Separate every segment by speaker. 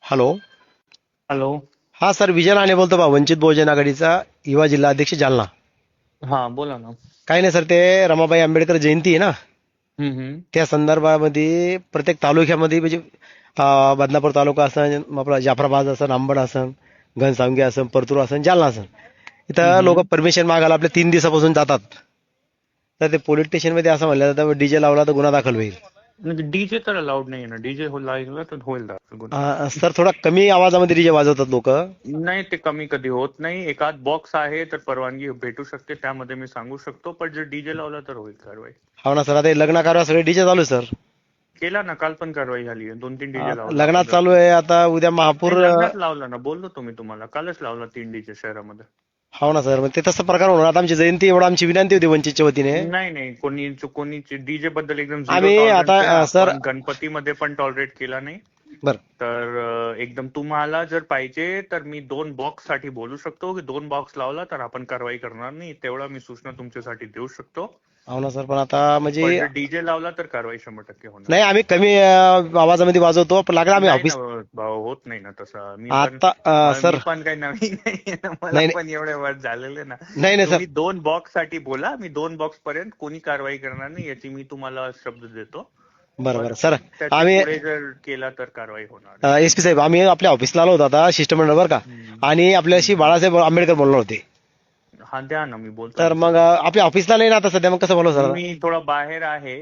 Speaker 1: Hello.
Speaker 2: Hello.
Speaker 1: हा sir, Vijay Rane बोलतो बा, वंचित बहुजन आघाडीचा युवा जिल्हा अध्यक्ष जालना.
Speaker 2: हा बोला ना.
Speaker 1: काही नाही सर, ते रमाबाई आंबेडकर जयंती आहे ना,
Speaker 2: हम्म.
Speaker 1: त्या संदर्भामध्ये प्रत्येक तालुक्यामध्ये म्हणजे बदनापूर तालुका असन, आपला जाफराबाद असन, अंबड असन, घनसावंगी असन, परतूर असन, जालना असन, इथं लोक
Speaker 2: हम्म.
Speaker 1: परमिशन मागायला आपल्या 3 दिवसापासून जातात. तर ते पोलीस स्टेशनमध्ये असं म्हणलं जातं डीजे लावला तर गुन्हा दाखल होईल.
Speaker 2: म्हणजे डीजे तर अलाउड नाही ना, डीजे लागला तर होईल दाखल गुन्हा.
Speaker 1: सर, थोडा कमी आवाजामध्ये डीजे वाजवतात लोक.
Speaker 2: नाही, ते कमी कधी होत नाही. एखाद बॉक्स आहे तर परवानगी भेटू शकते, त्यामध्ये मी सांगू शकतो. पण जर डीजे लावला तर होईल कारवाई.
Speaker 1: हो ना सर, आता हे लग्न कार्य सगळे डीजे चालू आहे सर.
Speaker 2: केला ना, काल पण कारवाई झाली आहे. 2-3 डीजे लावला
Speaker 1: लग्नात
Speaker 2: आपण
Speaker 1: चालू
Speaker 2: रस्त्यात.
Speaker 1: आहे, आता उद्या महापूर.
Speaker 2: नाही, लग्नात लावला ना, बोललो तुम्ही तुम्हाला कालच लावला 3 डीजे शहरामध्ये.
Speaker 1: हो ना सर, मग ते तसं प्रकार होणार. आता आमची जयंती, एवढं आमची विनंती होती वंचितच्या वतीने.
Speaker 2: नाही नाही, कोणी डीजे बद्दल एकदम झिरो
Speaker 1: आम्ही आता
Speaker 2: टॉलरन्स आहे.
Speaker 1: सर.
Speaker 2: आपण गणपतीमध्ये पण टॉलरेट केला नाही.
Speaker 1: बर.
Speaker 2: तर एकदम तुम्हाला जर पाहिजे तर मी 2 बॉक्स साठी बोलू शकतो की 2 बॉक्स लावला तर आपण कारवाई करणार नाही, तेवढा मी सूचना तुमच्यासाठी देऊ शकतो.
Speaker 1: हो ना सर, पण आता म्हणजे
Speaker 2: पण जर डीजे लावला तर कारवाई 100% होणार.
Speaker 1: नाही, आम्ही कमी आवाजामध्ये वाजवतो, पण लागला आम्ही
Speaker 2: नाही ना
Speaker 1: ऑफिस.
Speaker 2: भाऊ, होत नाही ना तसं.
Speaker 1: आता
Speaker 2: मी
Speaker 1: सर.
Speaker 2: पण काही नवीन नाहीये ना, मला
Speaker 1: नाही नाही
Speaker 2: पण एवढे वर्ष झालेले ना.
Speaker 1: नाही नाही सर.
Speaker 2: तुम्ही 2 बॉक्स साठी बोला, मी 2 बॉक्स पर्यंत कोणी कारवाई करणार नाही याची मी तुम्हाला शब्द देतो.
Speaker 1: बरं बरं
Speaker 2: पण
Speaker 1: सर.
Speaker 2: त्याच्या
Speaker 1: आम्ही
Speaker 2: पुढे जर केला तर कारवाई होणार.
Speaker 1: SP साहेब, आम्ही आपल्या ऑफिसला आलो होतो आता शिष्टमंडळ, बरं का. आणि आपल्याशी
Speaker 2: हम्म.
Speaker 1: बाळासाहेब आंबेडकर बोलणार होते.
Speaker 2: हा द्या ना, मी बोलतो
Speaker 1: तर
Speaker 2: ना
Speaker 1: मग
Speaker 2: त्यांच्याशी.
Speaker 1: आपल्या ऑफिसला नाही ना आता सध्या, मग कसं बोलू सर?
Speaker 2: मी थोडा बाहेर आहे.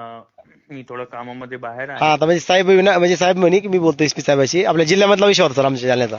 Speaker 2: मी थोडं कामामध्ये बाहेर
Speaker 1: हा,
Speaker 2: आहे.
Speaker 1: आता म्हणजे साहेब म्हणजे साहेब म्हणे की मी बोलतो SP साहेबाशी, आपल्या जिल्ह्यामधला विषय होता सर, आमच्या जालन्याचा.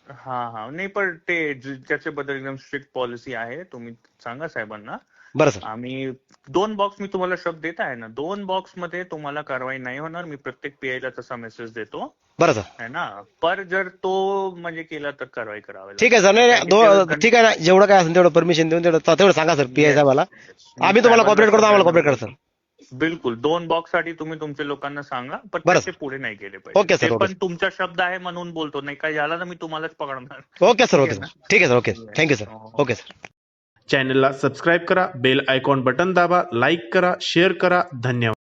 Speaker 2: हा नाही, पण ते त्याच्याबद्दल एकदम स्ट्रिक्ट पॉलिसी आहे. तुम्ही सांगा साहेबांना.
Speaker 1: बरं सर.
Speaker 2: आम्ही 2 बॉक्स, मी तुम्हाला शब्द देत आहे ना, 2 बॉक्स मध्ये तुम्हाला कारवाई नाही होणार. मी प्रत्येक PI ला तसा मेसेज देतो
Speaker 1: बरं सर.
Speaker 2: है ना. पर जर तो म्हणजे केला तर कारवाई करावी
Speaker 1: ठीक आहे
Speaker 2: लागेल.
Speaker 1: सर. नाही
Speaker 2: कारण
Speaker 1: नाही,
Speaker 2: की ते
Speaker 1: ठीक आहे ना, जेवढं काय असेल तेवढं परमिशन देऊन तेवढं सांगा सर PI
Speaker 2: येस
Speaker 1: साहेबाला.
Speaker 2: येस, मी
Speaker 1: आम्ही तुम्हाला
Speaker 2: साहेबांना
Speaker 1: कॉपरेट करतो, आम्हाला
Speaker 2: सगळ्यांना
Speaker 1: कॉपरेट करा सर.
Speaker 2: बोलतो. बिलकुल 2 बॉक्स साठी तुम्ही तुमच्या लोकांना सांगा, पण
Speaker 1: बरं
Speaker 2: त्याचे
Speaker 1: सर.
Speaker 2: पुढे नाही गेले पाहिजे.
Speaker 1: ओके
Speaker 2: ते
Speaker 1: सर. ओके
Speaker 2: पण
Speaker 1: सर.
Speaker 2: तुमचा शब्द आहे म्हणून बोलतो, नाही काय झाला तर मी तुम्हालाच पकडणार.
Speaker 1: Okay sir.
Speaker 2: ठीक
Speaker 1: ओके
Speaker 2: आहे
Speaker 1: सर.
Speaker 2: ना.
Speaker 1: ठीक आहे sir. Okay. Thank you
Speaker 2: yes.
Speaker 1: Sir.
Speaker 2: हो.
Speaker 1: Okay sir.
Speaker 3: चॅनलला सबस्क्राईब करा, बेल आयकॉन बटन दाबा, लाईक करा, शेअर करा. धन्यवाद.